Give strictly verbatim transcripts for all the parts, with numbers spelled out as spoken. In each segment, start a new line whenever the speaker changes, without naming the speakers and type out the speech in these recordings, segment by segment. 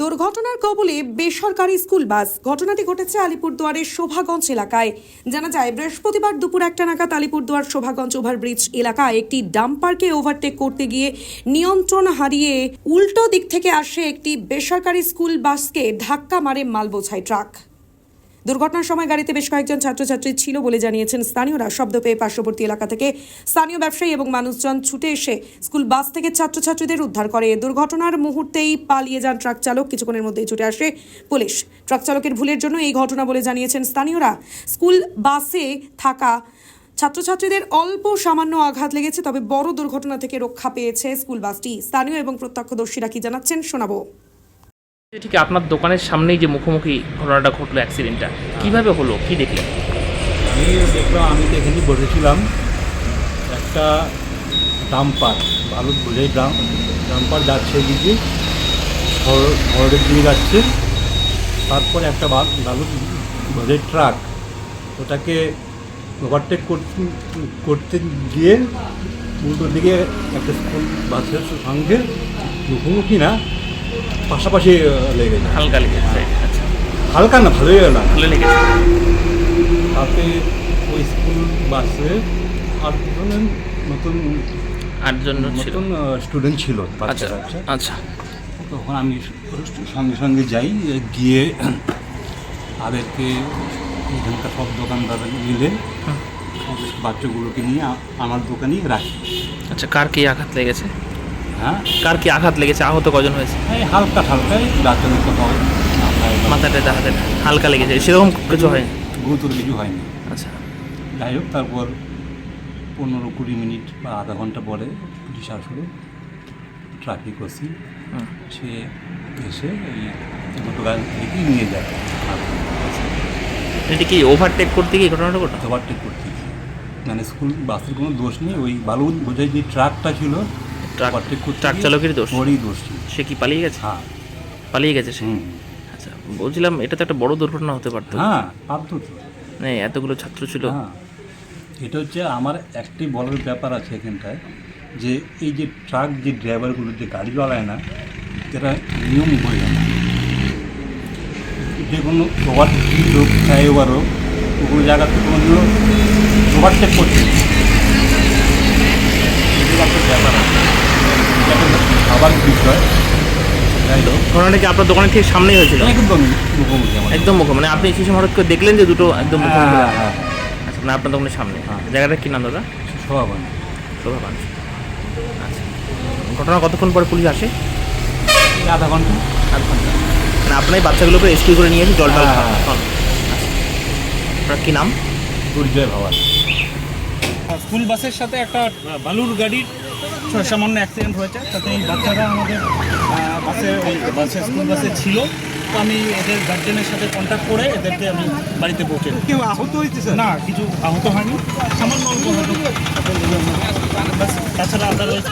দুর্ঘটনার কবলে বেসরকারি স্কুল বাস। ঘটনাটি ঘটেছে আলিপুরদুয়ারের শোভাগঞ্জ এলাকায়। জানা যায় বৃহস্পতিবার দুপুর একটা নাগাদ আলিপুরদুয়ার শোভাগঞ্জ ওভারব্রিজ এলাকায় একটি ডাম্পারকে ওভারটেক করতে গিয়ে নিয়ন্ত্রণ হারিয়ে উল্টো দিক থেকে আসে একটি বেসরকারি স্কুল বাসকে ধাক্কা মারে মালবোঝাই ট্রাক। দুর্ঘটনার সময় গাড়িতে বেশ কয়েকজন ছাত্রছাত্রী ছিল বলে জানিয়েছেন স্থানীয়রা। শব্দ পেয়ে পার্শ্ববর্তী এলাকা থেকে স্থানীয় ব্যবসায়ী এবং মানুষজন ছুটে এসে স্কুল বাস থেকে ছাত্রছাত্রীদের উদ্ধার করে। দুর্ঘটনার মুহূর্তেই পালিয়ে যান ট্রাক চালক। কিছুক্ষণের মধ্যেই ছুটে আসে পুলিশ। ট্রাক চালকের ভুলের জন্য এই ঘটনা বলে জানিয়েছেন স্থানীয়রা। স্কুল বাসে থাকা ছাত্রছাত্রীদের অল্প সামান্য আঘাত লেগেছে, তবে বড় দুর্ঘটনা থেকে রক্ষা পেয়েছে স্কুল বাসটি। স্থানীয় এবং প্রত্যক্ষদর্শীরা কি জানাচ্ছেন শোনাবো।
ঠিক আপনার দোকানের সামনেই যে মুখোমুখি ঘটনাটা ঘটলো, অ্যাক্সিডেন্টটা কিভাবে হলো, কি দেখলেন?
আমি দেখলাম, আমি তো এখানে বসেছিলাম, একটা ডাম্পার বালুর বোঝাই ডাম ডাম্পার যাচ্ছে এদিকে শহরের দিকে যাচ্ছে। তারপর একটা বালুর বোঝাই ট্রাক ওটাকে ওভারটেক করতে গিয়ে উল্টোর দিকে একটা স্কুল বাসের সঙ্গে মুখোমুখি না পাশাপাশি লেগেছে।
হালকা লেগেছে? আচ্ছা,
হালকা না, ভালোই না,
ভালো লেগেছে।
তাতে ওই স্কুল বাসে আটজন নতুন
আটজন
নতুন স্টুডেন্ট ছিল।
আচ্ছা আচ্ছা।
তখন আমি সঙ্গে সঙ্গে যাই, গিয়ে তাদেরকে এখানকার সব দোকানদার মিলে বাচ্চাগুলোকে নিয়ে আমার দোকানেই রাখি।
আচ্ছা, কার কি আঘাত লেগেছে?
হ্যাঁ,
কার কি আঘাত লেগেছে? আহত কজন হয়েছে?
এই হালকা হালকাই ডাক্তারের তো হয়,
মাথাটা হাতে হালকা লেগেছে, সেরকম কিছু হয়নি,
গুরুতর কিছু হয়নি।
আচ্ছা,
যাই হোক, তারপর পনেরো কুড়ি মিনিট বা আধা ঘন্টা পরে পুলিশ আসলে ট্রাফিক ওসি সে এসে এই দুটো গাড়ি থেকে নিয়ে যায়।
এটা কি ওভারটেক করতে গিয়ে ঘটনাটা ঘটে?
ওভারটেক করতে গিয়ে, মানে স্কুল বাসের কোনো দোষ নেই, ওই বালু বোঝাই যে ট্রাকটা ছিল,
ট্রাক ট্রাক চালকেরই দোষ।
ওরই দোষ ছিল।
সে কি পালিয়ে গেছে?
হ্যাঁ,
পালিয়ে গেছে সে।
হুম।
আচ্ছা, বলছিলাম এটা তো একটা বড় দুর্ঘটনা হতে পারতো।
হ্যাঁ, পারত তো।
নেই, এতগুলো ছাত্র ছিল।
হ্যাঁ, এটা হচ্ছে আমার একটি বলার ব্যাপার আছে এখানটায়, যে এই যে ট্রাক যে ড্রাইভারগুলো যে গাড়ি চালায় না, এরা নিয়ম বোঝে না। যে কোনো ওভারটেক হোক, ফ্লাইওভার হোক, ওগুলো জায়গাতে কোনো ওভারটেক করছে ব্যাপার আছে, খাবার বিষয়।
ঘটনাটা কি আপনার দোকানের ঠিক সামনেই হয়েছিল?
একদম মুখোমুখি,
একদম মুখো, মানে আপনি সেই সময় হঠাৎ করে দেখলেন যে দুটো একদম মুখোমুখি?
হ্যাঁ হ্যাঁ।
আচ্ছা, মানে আপনার দোকানের সামনে।
হ্যাঁ।
জায়গাটা কি নাম দাদা?
শোভাবান।
শোভাবান। আচ্ছা, ঘটনা কতক্ষণ পরে পুলিশ আসে?
আধা ঘন্টা।
আধ ঘন্টা। মানে আপনার এই বাচ্চাগুলোকে রেস্কিউ করে নিয়ে এসে জল টল
হ্যাঁ।
আপনার কী নাম?
দুর্জয় ভাবার।
স্কুল বাসের সাথে একটা বালুর গাড়ির সামান্য অ্যাক্সিডেন্ট হয়েছে, তাতে এই বাচ্চারা আমাদের বাসে ওই বাসে স্কুল বাসে ছিল। তো আমি এদের গার্জেনের সাথে কন্ট্যাক্ট করে এদেরকে আমি বাড়িতে পৌঁছে দিই।
কেউ আহত হয়েছে?
না, কিছু আহত হয়নি, সামান্য অল্প হয়তো, তাছাড়া আদারওয়াইজ।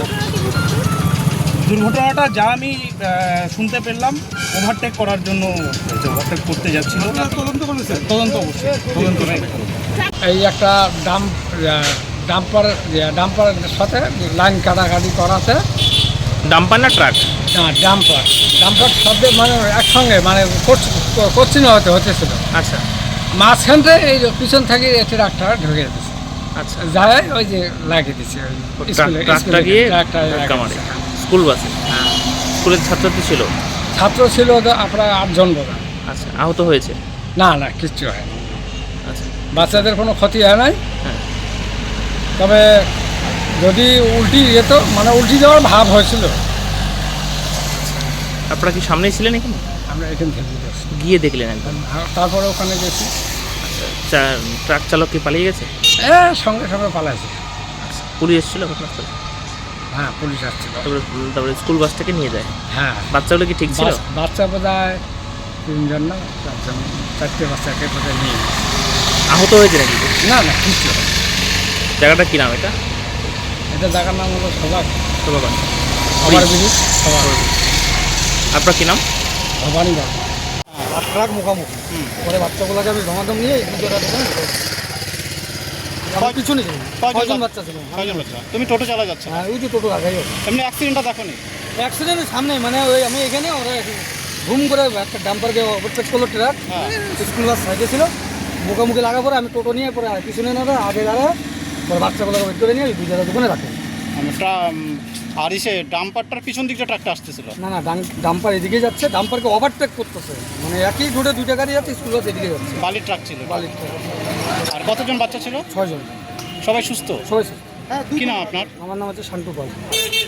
দুর্ঘটনাটা যা আমি শুনতে পেলাম, ওভারটেক করার জন্য ওভারটেক করতে যাচ্ছিল।
তদন্ত করেছে?
তদন্ত অবশ্যই তদন্ত
এই একটা ডাম্প ডাম্পার ডাম্পারের সাথে লাইন কাটাকাটি করাতে।
ডাম্পার না ট্রাক?
না, ডাম্পার ডাম্পার শব্দে মানে একসঙ্গে মানে করছিল হতে হতেছিল।
আচ্ছা,
মাঝখানটা এই পিছন থেকে ট্রাকটা ঢুকে দিচ্ছে।
আচ্ছা,
যায় ওই যে লাগিয়ে দিচ্ছে ওই
ট্রাকটা গিয়ে ধাক্কা মারে স্কুল বাসে।
হ্যাঁ,
স্কুলের ছাত্রছাত্রী ছিল?
ছাত্র ছিল তো আপনার আটজন বোধ।
আচ্ছা, আহত হয়েছে?
না না, কিচ্ছু হয়।
আচ্ছা,
বাচ্চাদের কোনো ক্ষতি হয় নাই।
হ্যাঁ।
তবে যদি উল্টি যেত, মানে উল্টি যাওয়ার ভাব হয়েছিল।
আপনারা কি সামনেই ছিলেন এখানে?
আমরা এখান থেকে গেছি,
গিয়ে দেখলেন একদম?
তারপরে ওখানে গেছি।
আচ্ছা, ট্রাক চালক কি পালিয়ে গেছে?
হ্যাঁ, সঙ্গে সঙ্গে পালাইছে।
আচ্ছা, পুলিশ এসেছিল ঘটনাস্থলে?
হ্যাঁ, পুলিশ আসছিল।
তারপরে তারপরে স্কুল বাস থেকে নিয়ে যায়?
হ্যাঁ।
বাচ্চাগুলো কি ঠিক ছিল?
বাস- বাচ্চা বোধ হয় তিনজন না চারজন, চারটে বাচ্চাকে বোধ হয় নিয়ে গেছে।
আহত হয়েছে নাকি?
না না, কিছু হয়।
জায়গাটা কি নাম এটা?
এটা জায়গার নাম হলো সবাক
শোভাবান।
আমার ব্রিজ সবাক
আপনার কি নাম?
ভবানী বাবু।
আর ট্রাক মুখামুখি পরে বাচ্চাগুলোকে আমি ধমাধম নিয়ে আমার পিছনে ছিল। কয়জন বাচ্চা ছিল?
কয়জন বাচ্চা? তুমি টোটো চালা যাচ্ছ?
হ্যাঁ, ওই যে টোটো আগাই
এমনি অ্যাক্সিডেন্টটা দেখো নি?
অ্যাক্সিডেন্টের সামনে, মানে ওই আমি এখানে ওরা
ঘুম করে একটা ডাম্পারকে ওভারটেক করলো ট্রাক, স্কুল বাস সাইডে ছিল, মুখোমুখি লাগা পরে আমি টোটো নিয়ে পরে পিছনে না আগে দাঁড়ায় পরে বাচ্চাগুলোকে বের করে নিয়ে দুই জায়গায় দোকানে রাখে।
আর এসে ডাম্পারটার পিছন দিকটা ট্রাকটা আসতেছিল।
না না ডাম্পার এদিকে যাচ্ছে, ডাম্পারকে ওভারটেক করতেছে, মানে একই রোডে দুইটা গাড়ি যাচ্ছে, স্কুল বাস এদিকে যাচ্ছে।
বালির ট্রাক ছিল।
বালির
আর কতজন বাচ্চা ছিল?
ছয়জন,
সবাই সুস্থ?
সবাই।
কি নাম আপনার?
আমার নাম হচ্ছে শান্তু পাল।